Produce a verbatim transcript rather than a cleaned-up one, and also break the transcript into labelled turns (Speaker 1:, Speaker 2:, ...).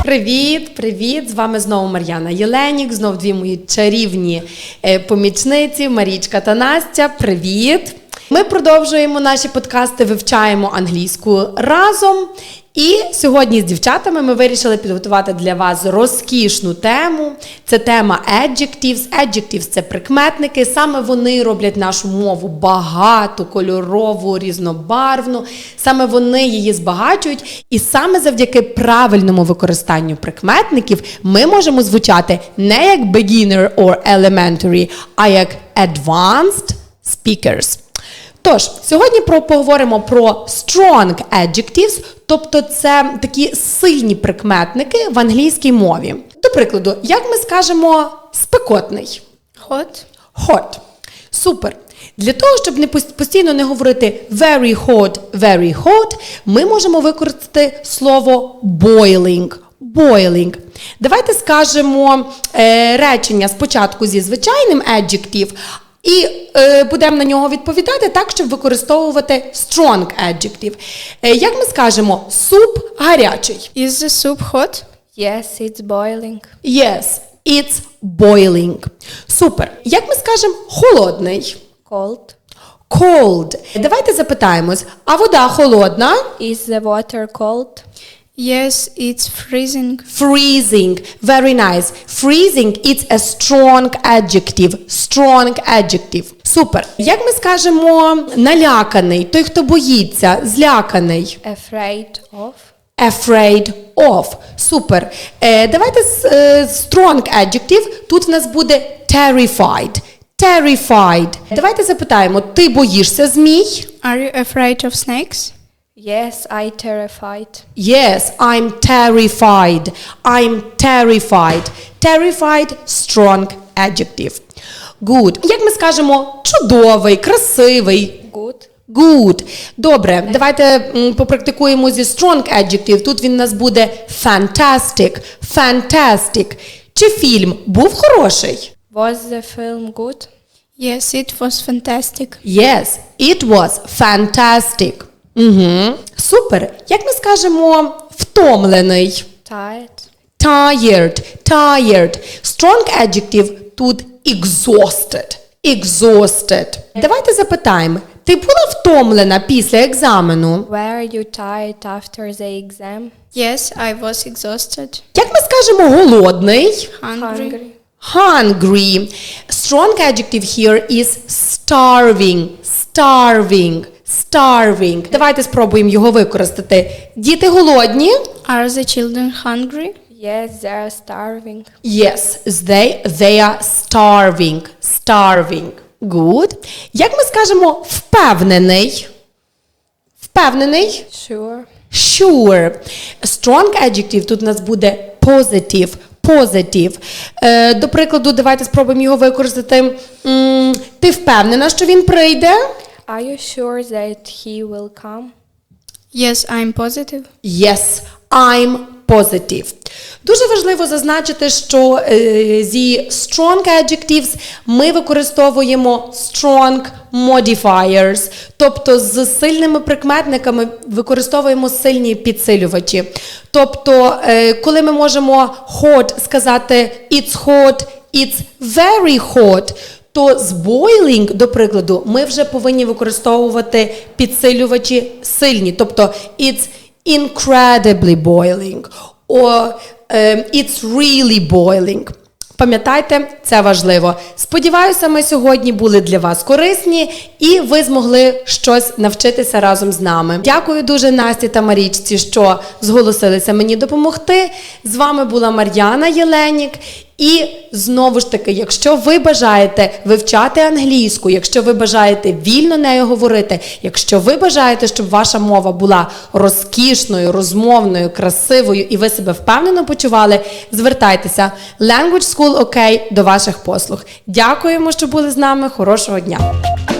Speaker 1: Привіт, привіт! З вами знову Мар'яна Єленік, знов дві мої чарівні е, помічниці Марічка та Настя. Привіт! Ми продовжуємо наші подкасти, вивчаємо англійську разом. І сьогодні з дівчатами ми вирішили підготувати для вас розкішну тему. Це тема adjectives. Adjectives – це прикметники. Саме вони роблять нашу мову багату, кольорову, різнобарвну. Саме вони її збагачують. І саме завдяки правильному використанню прикметників ми можемо звучати не як beginner or elementary, а як advanced speakers. Тож, сьогодні про, поговоримо про strong adjectives, тобто це такі сильні прикметники в англійській мові. До прикладу, як ми скажемо спекотний?
Speaker 2: Hot.
Speaker 1: Hot. Супер. Для того, щоб не постійно не говорити very hot, very hot, ми можемо використати слово boiling. Boiling. Давайте скажемо е, речення спочатку зі звичайним adjective, і е, будемо на нього відповідати так, щоб використовувати strong adjective. Е, як ми скажемо, суп гарячий?
Speaker 2: Is the soup hot?
Speaker 3: Yes, it's boiling.
Speaker 1: Yes, it's boiling. Супер. Як ми скажемо, холодний?
Speaker 3: Cold.
Speaker 1: Cold. Давайте запитаємось, а вода холодна?
Speaker 3: Is the water cold?
Speaker 2: Yes, it's freezing.
Speaker 1: Freezing. Very nice. Freezing – it's a strong adjective. Strong adjective. Супер. Як ми скажемо наляканий, той, хто боїться, зляканий?
Speaker 3: Afraid of.
Speaker 1: Afraid of. Супер. Е, давайте е, strong adjective. Тут в нас буде terrified. Terrified. Давайте запитаємо, ти боїшся змій?
Speaker 2: Are you afraid of snakes?
Speaker 3: Yes, I terrified.
Speaker 1: Yes, I'm terrified. I'm terrified. Terrified – strong adjective. Good. Як ми скажемо чудовий, красивий?
Speaker 3: Good.
Speaker 1: Good. Добре, давайте м, попрактикуємо зі strong adjective. Тут він у нас буде fantastic. Fantastic. Чи фільм був хороший?
Speaker 3: Was the film good?
Speaker 2: Yes, it was fantastic.
Speaker 1: Yes, it was fantastic. Угу. Супер. Як ми скажемо втомлений?
Speaker 3: Tired.
Speaker 1: Tired. Tired. Strong adjective тут exhausted. Exhausted. Давайте запитаємо. Ти була втомлена після екзамену?
Speaker 3: Were you tired after the exam?
Speaker 2: Yes, I was exhausted.
Speaker 1: Як ми скажемо голодний?
Speaker 2: Hungry.
Speaker 1: Hungry. Strong adjective here is starving. Starving. Starving. Давайте спробуємо його використати. Діти голодні?
Speaker 2: Are the children hungry?
Speaker 3: Yes, they are starving.
Speaker 1: Yes, they, they are starving. Starving. Good. Як ми скажемо впевнений? Впевнений?
Speaker 3: Sure.
Speaker 1: Sure. Strong adjective тут у нас буде positive. Positive. Е, до прикладу, давайте спробуємо його використати. М, ти впевнена, що він прийде?
Speaker 3: Are you sure that he will come?
Speaker 2: Yes, I'm positive.
Speaker 1: Yes, I'm positive. Дуже важливо зазначити, що е, зі strong adjectives ми використовуємо strong modifiers, тобто з сильними прикметниками використовуємо сильні підсилювачі. Тобто, е, коли ми можемо hot сказати it's hot, it's very hot, то з boiling, до прикладу, ми вже повинні використовувати підсилювачі сильні. Тобто, it's incredibly boiling, or um, it's really boiling. Пам'ятайте, це важливо. Сподіваюся, ми сьогодні були для вас корисні і ви змогли щось навчитися разом з нами. Дякую дуже Насті та Марічці, що зголосилися мені допомогти. З вами була Мар'яна Єленік. І знову ж таки, якщо ви бажаєте вивчати англійську, якщо ви бажаєте вільно нею говорити, якщо ви бажаєте, щоб ваша мова була розкішною, розмовною, красивою і ви себе впевнено почували, звертайтеся. Language School OK до ваших послуг. Дякуємо, що були з нами. Хорошого дня!